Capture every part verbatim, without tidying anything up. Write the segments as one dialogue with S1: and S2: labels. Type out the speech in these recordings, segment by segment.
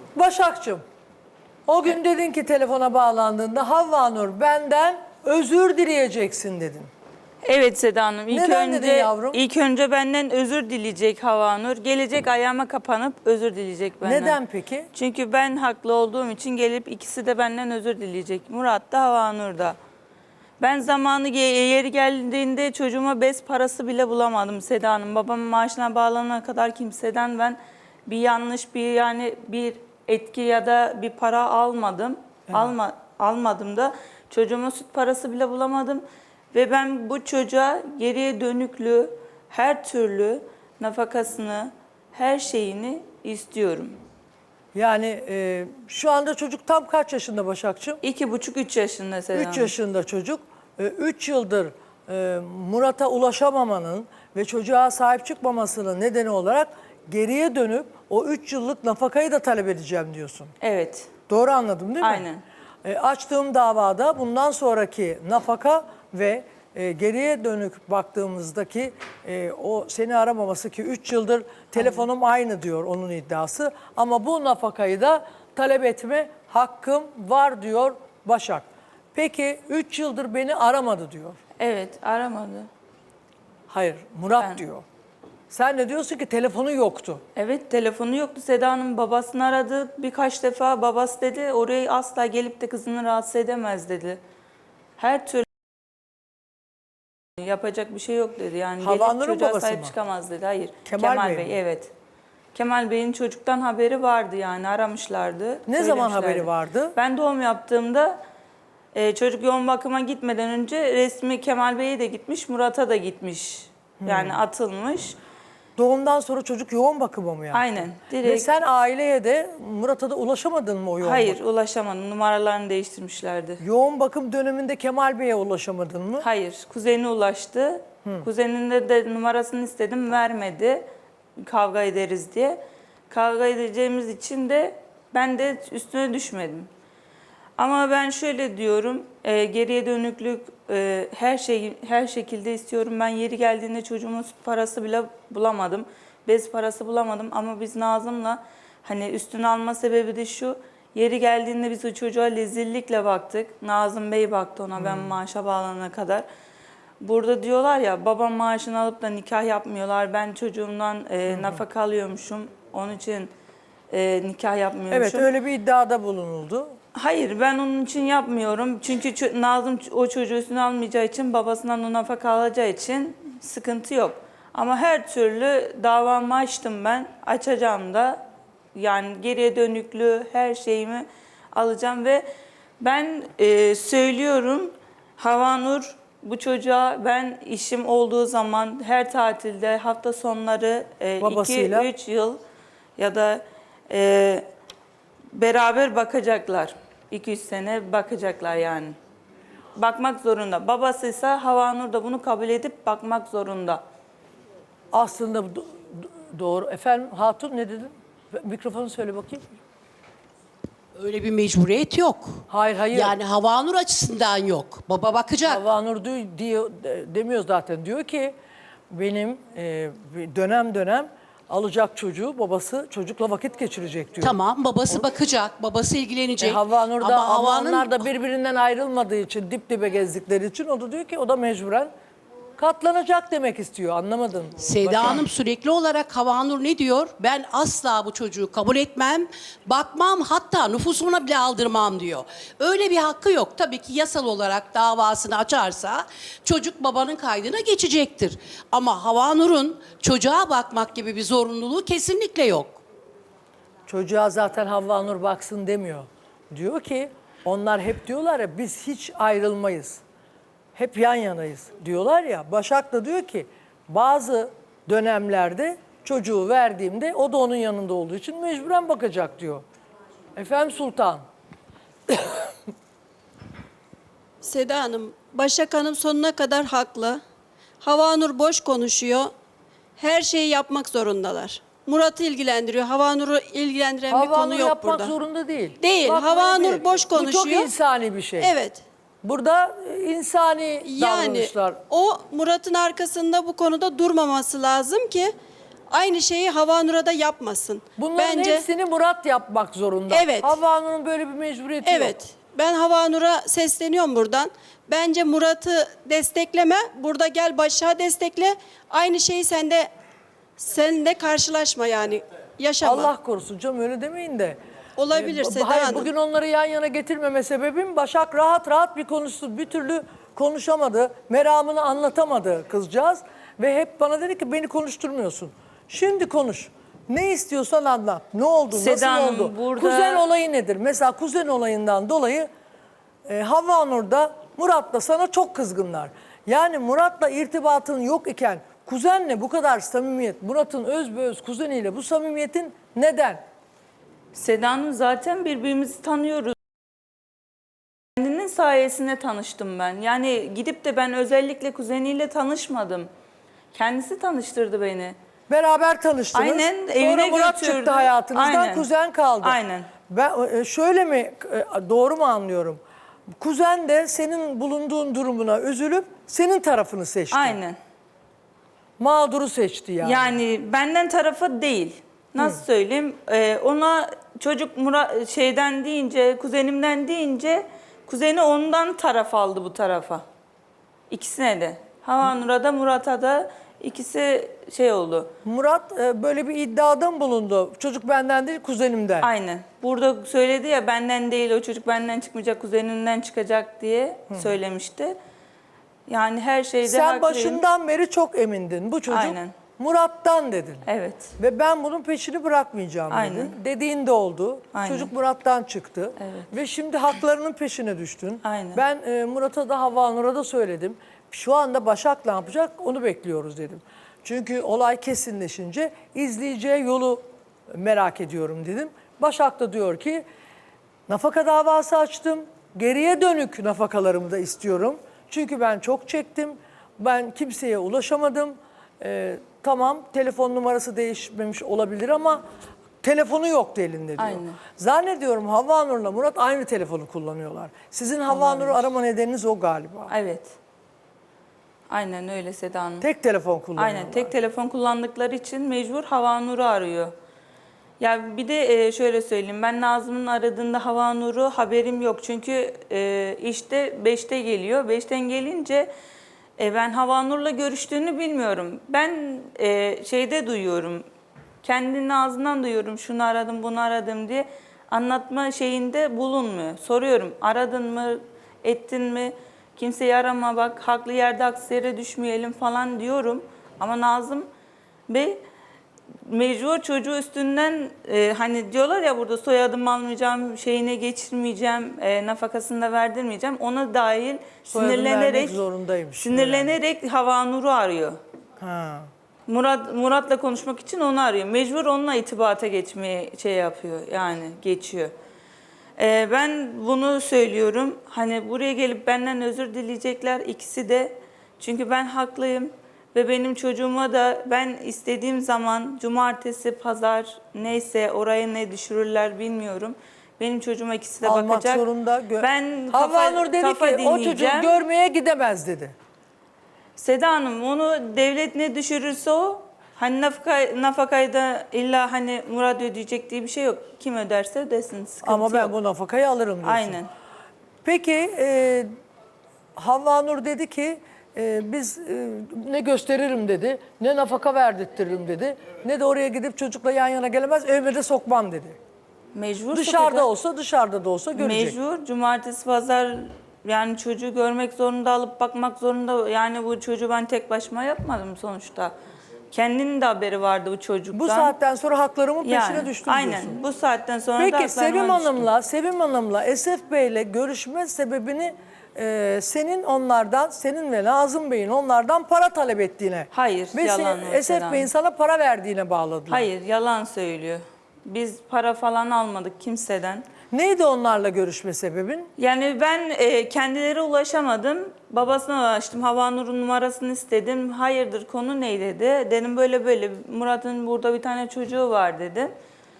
S1: Başakçığım, o gün dedin ki telefona bağlandığında Havva Nur benden özür dileyeceksin dedin.
S2: Evet Seda Hanım. İlk
S1: Neden
S2: önce,
S1: dedin yavrum?
S2: İlk önce benden özür dileyecek Havanur. Gelecek ayağıma kapanıp özür dileyecek benden.
S1: Neden peki?
S2: Çünkü ben haklı olduğum için gelip ikisi de benden özür dileyecek. Murat da Havanur da. Ben zamanı ge- yeri geldiğinde çocuğuma bez parası bile bulamadım Seda Hanım. Babamın maaşına bağlanana kadar kimseden ben bir yanlış bir yani bir etki ya da bir para almadım. Evet. Alma, almadım da çocuğuma süt parası bile bulamadım. Ve ben bu çocuğa geriye dönüklü her türlü nafakasını, her şeyini istiyorum.
S1: Yani e, şu anda çocuk tam kaç yaşında Başakçığım?
S2: İki buçuk, üç yaşında Seda Hanım.
S1: Üç yaşında çocuk. E, üç yıldır e, Murat'a ulaşamamanın ve çocuğa sahip çıkmamasının nedeni olarak geriye dönüp o üç yıllık nafakayı da talep edeceğim diyorsun.
S2: Evet.
S1: Doğru anladım değil mi?
S2: Aynen.
S1: E, açtığım davada bundan sonraki nafaka ve e, geriye dönük baktığımızdaki e, o seni aramaması ki üç yıldır telefonum aynı diyor onun iddiası. Ama bu nafakayı da talep etme hakkım var diyor Başak. Peki üç yıldır beni aramadı diyor.
S2: Evet, aramadı.
S1: Hayır, Murat
S2: Ben-
S1: diyor. Sen de diyorsun ki telefonu yoktu.
S2: Evet, telefonu yoktu. Seda Hanım babasını aradı birkaç defa. Babası dedi oraya asla gelip de kızını rahatsız edemez dedi. Her türlü yapacak bir şey yok dedi. Yani
S1: Havanur'un
S2: gelip çocuğa
S1: babası
S2: sahip
S1: mı?
S2: çıkamaz dedi. Hayır.
S1: Kemal Bey mi?
S2: Bey, evet. Kemal Bey'in çocuktan haberi vardı yani aramışlardı.
S1: Ne zaman haberi
S2: söylemişlerdi.
S1: vardı?
S2: Ben doğum yaptığımda e, çocuk yoğun bakıma gitmeden önce resmi Kemal Bey'e de gitmiş, Murat'a da gitmiş. Yani
S1: Hmm.
S2: atılmış.
S1: Doğumdan sonra çocuk yoğun bakıma mı yaptı?
S2: Aynen.
S1: Ve
S2: Direkt.
S1: sen aileye de Murat'a da ulaşamadın mı o yoğun
S2: Hayır,
S1: bakım?
S2: ulaşamadım. Numaralarını değiştirmişlerdi.
S1: Yoğun bakım döneminde Kemal Bey'e ulaşamadın mı?
S2: Hayır, kuzeni ulaştı. Kuzeninde de numarasını istedim, vermedi. Kavga ederiz diye. Kavga edeceğimiz için de ben de üstüne düşmedim. Ama ben şöyle diyorum, e, geriye dönüklük e, her şey her şekilde istiyorum. Ben yeri geldiğinde çocuğumun süt parası bile bulamadım. Bez parası bulamadım ama biz Nazım'la hani üstüne alma sebebi de şu. Yeri geldiğinde biz o çocuğa lezillikle baktık. Nazım Bey baktı ona ben maaşa bağlanana kadar. Burada diyorlar ya babam maaşını alıp da nikah yapmıyorlar. Ben çocuğumdan e, nafaka alıyormuşum. Onun için e, nikah yapmıyormuşum.
S1: Evet, öyle bir iddiada bulunuldu.
S2: Hayır, ben onun için yapmıyorum. Çünkü ço- Nazım o çocuğu üstüne almayacağı için, babasından o nafaka alacağı için sıkıntı yok. Ama her türlü davamı açtım ben. Açacağım da. Yani geriye dönüklü her şeyimi alacağım ve ben e, söylüyorum Havanur bu çocuğa ben işim olduğu zaman her tatilde hafta sonları
S1: Babasıyla.
S2: iki üç yıl ya da e, beraber bakacaklar. iki üç sene bakacaklar yani. Bakmak zorunda. Babasıysa Havanur da bunu kabul edip bakmak zorunda.
S1: Aslında do- do- doğru. Efendim Hatun ne dedin? Mikrofonu söyle bakayım.
S3: Öyle bir mecburiyet yok.
S1: Hayır hayır.
S3: Yani Havanur açısından yok. Baba bakacak.
S1: Havanur diyor, diyor, demiyor zaten. Diyor ki benim e, dönem dönem alacak çocuğu babası çocukla vakit geçirecek diyor.
S3: Tamam, babası bakacak, babası ilgilenecek.
S1: E, Havanur da
S3: Ama
S1: ama
S3: Havan'ın
S1: onlar da birbirinden ayrılmadığı için dip dibe gezdikleri için o da diyor ki o da mecburen katlanacak demek istiyor. Anlamadın mı?
S3: Seda
S1: Başak?
S3: Hanım sürekli olarak Havanur ne diyor? Ben asla bu çocuğu kabul etmem, bakmam, hatta nüfusuna bile aldırmam diyor. Öyle bir hakkı yok. Tabii ki yasal olarak davasını açarsa çocuk babanın kaydına geçecektir. Ama Havanur'un çocuğa bakmak gibi bir zorunluluğu kesinlikle yok.
S1: Çocuğa zaten Havva Nur baksın demiyor. Diyor ki onlar hep diyorlar ya biz hiç ayrılmayız. Hep yan yanayız diyorlar ya. Başak da diyor ki bazı dönemlerde çocuğu verdiğimde o da onun yanında olduğu için mecburen bakacak diyor. Efendim Sultan.
S4: Seda Hanım, Başak Hanım sonuna kadar haklı. Havanur boş konuşuyor. Her şeyi yapmak zorundalar. Murat'ı ilgilendiriyor. Havanur'u ilgilendiren bir
S1: Havva
S4: konu
S1: Nur
S4: yok
S1: yapmak
S4: burada.
S1: zorunda değil.
S4: Değil,
S1: Bakmaya
S4: Havva Nur
S1: gerek
S4: boş
S1: yok. Bu çok
S4: konuşuyor.
S1: insani bir şey.
S4: Evet.
S1: Burada e, insani
S4: Yani
S1: davranışlar.
S4: o Murat'ın arkasında bu konuda durmaması lazım ki aynı şeyi Havanur'a da yapmasın.
S1: Bunların
S4: Bence
S1: hepsini Murat yapmak zorunda.
S4: Evet.
S1: Havvanur'un böyle bir mecburiyeti yok.
S4: evet. Ben Havanur'a sesleniyorum buradan. Bence Murat'ı destekleme. Burada gel Başak'ı destekle. Aynı şeyi sen de sen de karşılaşma yani. Yaşama.
S1: Allah korusun canım, öyle demeyin de.
S4: Olabilir
S1: Ee,
S4: Seda
S1: hayır,
S4: Hanım.
S1: bugün onları yan yana getirmeme sebebim Başak rahat rahat bir konuştu. Bir türlü konuşamadı. Meramını anlatamadı kızcağız. Ve hep bana dedi ki beni konuşturmuyorsun. Şimdi konuş. Ne istiyorsan anlat. Ne oldu?
S2: Seda
S1: Nasıl
S2: Hanım,
S1: oldu?
S2: burada-
S1: Kuzen olayı nedir? Mesela kuzen olayından dolayı e, Havvanur'da Murat'la sana çok kızgınlar. Yani Murat'la irtibatın yok iken kuzenle bu kadar samimiyet, Murat'ın özbeöz kuzeniyle bu samimiyetin neden?
S2: Seda Hanım, zaten birbirimizi tanıyoruz. Kendinin sayesinde tanıştım ben. Yani gidip de ben özellikle kuzeniyle tanışmadım. Kendisi tanıştırdı beni.
S1: Beraber tanıştınız.
S2: Aynen,
S1: Sonra
S2: evine
S1: Murat
S2: götürdü.
S1: çıktı hayatınızdan,
S2: Aynen.
S1: kuzen kaldı.
S2: Aynen.
S1: Ben e, şöyle mi, e, doğru mu anlıyorum? Kuzen de senin bulunduğun durumuna üzülüp senin tarafını seçti.
S2: Aynen.
S1: Mağduru seçti yani.
S2: Yani benden tarafı değil. Nasıl söyleyeyim? Ee, ona çocuk Murat şeyden deyince, kuzenimden deyince kuzeni ondan taraf aldı bu tarafa. İkisine de. Havanur'a da Murat'a da ikisi şey oldu.
S1: Murat e, böyle bir iddiada mı bulundu? Çocuk benden değil kuzenimden.
S2: Aynen. Burada söyledi ya, benden değil, o çocuk benden çıkmayacak, kuzenimden çıkacak diye söylemişti. Yani her şeyde
S1: Sen
S2: haklıyım.
S1: başından beri çok emindin. Bu çocuk
S2: Aynen.
S1: Murat'tan dedin.
S2: Evet.
S1: Ve ben bunun peşini bırakmayacağım
S2: Aynen.
S1: dedin. Dediğin de oldu.
S2: Aynen.
S1: Çocuk Murat'tan çıktı.
S2: Evet.
S1: Ve şimdi haklarının peşine düştün.
S2: Aynen.
S1: Ben e, Murat'a da Havvanur'a da söyledim. Şu anda Başak ne yapacak onu bekliyoruz dedim. Çünkü olay kesinleşince izleyeceği yolu merak ediyorum dedim. Başak da diyor ki nafaka davası açtım. Geriye dönük nafakalarımı da istiyorum. Çünkü ben çok çektim. Ben kimseye ulaşamadım. Ee, tamam, telefon numarası değişmemiş olabilir ama telefonu yoktu elinde diyor.
S2: Aynen.
S1: Zannediyorum Havvanur'la Murat aynı telefonu kullanıyorlar. Sizin Havvanur'u arama nedeniniz o galiba.
S2: Evet. Aynen öyle Seda Hanım.
S1: Tek telefon kullanıyorlar.
S2: Aynen, tek telefon kullandıkları için mecbur Havanur'u arıyor. Ya bir de e, şöyle söyleyeyim, ben Nazım'ın aradığında Havanur'u haberim yok. Çünkü e, işte beşte geliyor. beşten gelince e, ben Havanur'la görüştüğünü bilmiyorum. Ben e, şeyde duyuyorum, kendinin ağzından duyuyorum, şunu aradım, bunu aradım diye anlatma şeyinde bulunmuyor. Soruyorum, aradın mı, ettin mi? Kimseyi arama, bak haklı yerde haksız yere düşmeyelim falan diyorum. Ama Nazım Bey mecbur çocuğu üstünden e, hani diyorlar ya burada soyadımı almayacağım, şeyine geçirmeyeceğim, e, nafakasını da verdirmeyeceğim. Ona dahil
S1: Soyadını
S2: sinirlenerek
S1: vermek zorundaymış.
S2: sinirlenerek Havanur'u arıyor.
S1: Ha.
S2: Murat Murat'la konuşmak için onu arıyor. Mecbur onunla itibata geçmeye şey yapıyor, yani geçiyor. Ee, ben bunu söylüyorum. Hani buraya gelip benden özür dileyecekler ikisi de. Çünkü ben haklıyım ve benim çocuğuma da ben istediğim zaman cumartesi, pazar neyse oraya ne düşürürler bilmiyorum. Benim çocuğuma ikisi de
S1: Almak
S2: bakacak.
S1: zorunda. Gö-
S2: Ben kafa,
S1: Havvanur dedi
S2: kafa
S1: ki o çocuğu
S2: dinleyeceğim.
S1: görmeye gidemez dedi.
S2: Seda Hanım, onu devlet ne düşürürse o, hani nafaka, nafakayı da illa hani Murat ödeyecek diye bir şey yok. Kim öderse ödesin, sıkıntı
S1: Ama ben
S2: yok.
S1: bu nafakayı alırım diyorsun.
S2: Aynen.
S1: Peki e, Havvanur dedi ki e, biz e, ne gösteririm dedi, ne nafaka verdirtirim dedi, ne de oraya gidip çocukla yan yana gelemez, evime de sokmam dedi.
S2: Mecbur
S1: Dışarıda
S2: sokacak.
S1: olsa dışarıda da olsa görecek.
S2: Mecbur, cumartesi, pazar yani çocuğu görmek zorunda, alıp bakmak zorunda. Yani bu çocuğu ben tek başıma yapmadım sonuçta. Kendinin de haberi vardı bu çocuktan.
S1: Bu saatten sonra haklarımın peşine
S2: yani,
S1: düştüm
S2: aynen.
S1: diyorsun.
S2: Bu saatten sonra da
S1: Peki
S2: haklarıma
S1: Sevim
S2: düştüm.
S1: Hanım'la, Sevim Hanım'la Esef Bey'le görüşme sebebini e, senin onlardan, senin ve Nazım Bey'in onlardan para talep ettiğine.
S2: Hayır,
S1: ve
S2: yalan
S1: sen-
S2: o
S1: Esef
S2: Seda
S1: Bey'in
S2: Hanım.
S1: sana para verdiğine bağladılar.
S2: Hayır, yalan söylüyor. Biz para falan almadık kimseden.
S1: Neydi onlarla görüşme sebebin?
S2: Yani ben e, kendileri ulaşamadım. Babasına ulaştım. Havanur'un numarasını istedim. Hayırdır, konu ne dedi. Dedim böyle böyle, Murat'ın burada bir tane çocuğu var dedi.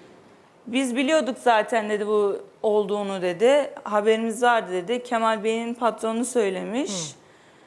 S2: Biz biliyorduk zaten dedi bu olduğunu dedi. Haberimiz vardı dedi. Kemal Bey'in patronu söylemiş.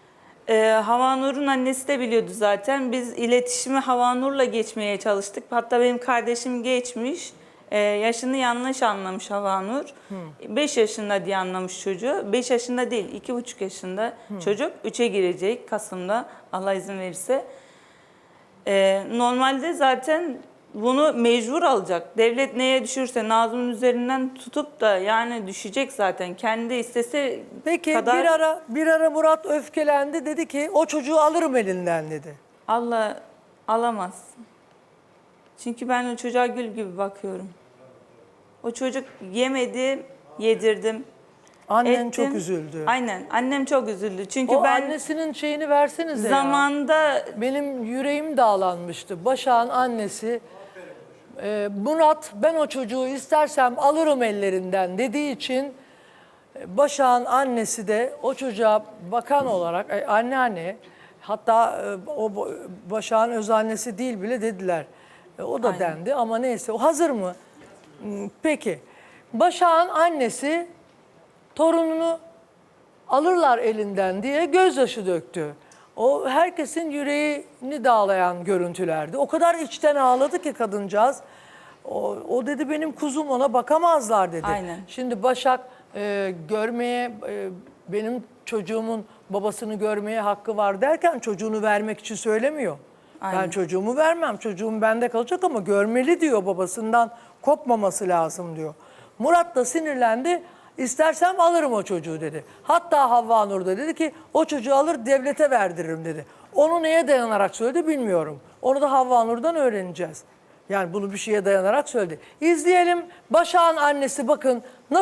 S2: Ee, Havanur'un annesi de biliyordu zaten. Biz iletişimi Havanur'la geçmeye çalıştık. Hatta benim kardeşim geçmiş. Ee, yaşını yanlış anlamış Havanur. beş yaşında diye anlamış çocuğu. beş yaşında değil, iki buçuk yaşında çocuk. üçe girecek Kasım'da Allah izin verirse. Ee, normalde zaten bunu mecbur alacak. Devlet neye düşürse Nazım'ın üzerinden tutup da yani düşecek zaten. Kendi istese
S1: Peki
S2: kadar
S1: bir ara bir ara Murat öfkelendi, dedi ki o çocuğu alırım elinden dedi.
S2: Allah alamaz. Çünkü ben o çocuğa gül gibi bakıyorum. O çocuk yemedi, yedirdim.
S1: Annen
S2: ettim.
S1: çok üzüldü.
S2: Aynen, annem çok üzüldü. Çünkü
S1: O
S2: ben
S1: annesinin şeyini versenize ya.
S2: zamanda
S1: Benim yüreğim dağlanmıştı. Başak'ın annesi e, Murat ben o çocuğu istersem alırım ellerinden dediği için e, Başak'ın annesi de o çocuğa bakan olarak e, anneanne, hatta e, o bo- Başak'ın öz annesi değil bile dediler. E, o da
S2: Aynen.
S1: dendi ama neyse. O hazır mı? Hmm, Peki. Başak'ın annesi torununu alırlar elinden diye gözyaşı döktü. O herkesin yüreğini dağlayan görüntülerdi. O kadar içten ağladı ki kadıncağız. O, o dedi benim kuzum, ona bakamazlar dedi.
S2: Aynen.
S1: Şimdi Başak e, görmeye, e, benim çocuğumun babasını görmeye hakkı var derken çocuğunu vermek için söylemiyor. Ben
S2: Aynen.
S1: çocuğumu vermem, çocuğum bende kalacak ama görmeli diyor, babasından kopmaması lazım diyor. Murat da sinirlendi. İstersem alırım o çocuğu dedi. Hatta Havva Nur da dedi ki o çocuğu alır devlete verdiririm dedi. Onu neye dayanarak söyledi bilmiyorum. Onu da Havva Nur'dan öğreneceğiz. Yani bunu bir şeye dayanarak söyledi. İzleyelim. Başak'ın annesi bakın nasıl